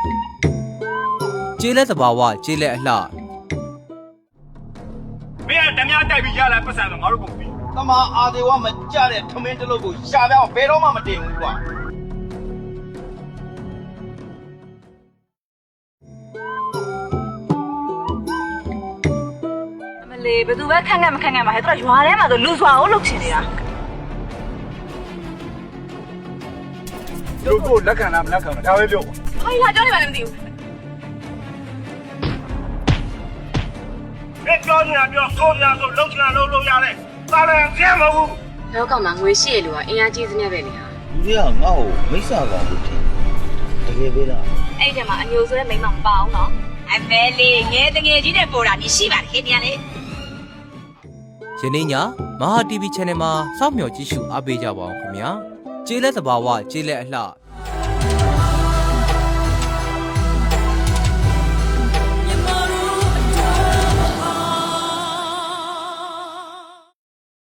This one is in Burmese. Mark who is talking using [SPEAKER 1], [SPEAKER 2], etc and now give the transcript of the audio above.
[SPEAKER 1] ကျေးလက်သဘာဝကျေးလက်အလှ
[SPEAKER 2] မင်းကဓမြတိုက်ပြီးရလာပတ်စံတော့ငါတို့ကုန်ပြီ
[SPEAKER 3] တမအာဒေဝမကြတဲ့ထမင်းတလုပ်ကိုရှာပြအောင်ဘယ်တော့မှမတင်ဘူးကွာ
[SPEAKER 4] မလေးဘယ်သူပဲခန့်ခန့်မခန့်ခန့်ပါဟဲ့သူကရွာထဲမှာဆိုလူစွာအောင်လုပ်ချင်နေတာ
[SPEAKER 2] တို့ကိုလက်ခံလားမလက်ခံလားဒါပဲပြော
[SPEAKER 4] ဟိုင်လာကြောင်းနေပါလည်းမသိဘူး
[SPEAKER 2] မင်းပြောနေတာပြောဆိုနေတာဆိုလုံးချင်တာလုံးလို့ရတယ်သာလန်ကျဲမဟုတ်ဘူး
[SPEAKER 5] လောကမှာငွေရှိရလို့ကအင်အားကြီးစနေပဲလေဟာ
[SPEAKER 3] လူတွေကငါ့ကိုမိစ္ဆာကောင်လို့ထင်တကယ်ပဲလား
[SPEAKER 4] အဲ့ဒီမှာအမျိုးဆိုတဲ့မိန်းမမပါအောင်နော်အမဲလေးငယ်တငယ်ကြီးတဲ့ပေါ်တာဒီရှိပါတယ်ခင်ဗျာလေ
[SPEAKER 1] ယနေ့ညမဟာ TV Channel မှာစောင့်မျှော်ကြည့်ရှုအားပေးကြပါအောင်ခင်ဗျာကျေးလက်သဘာဝကျေးလက်အလှ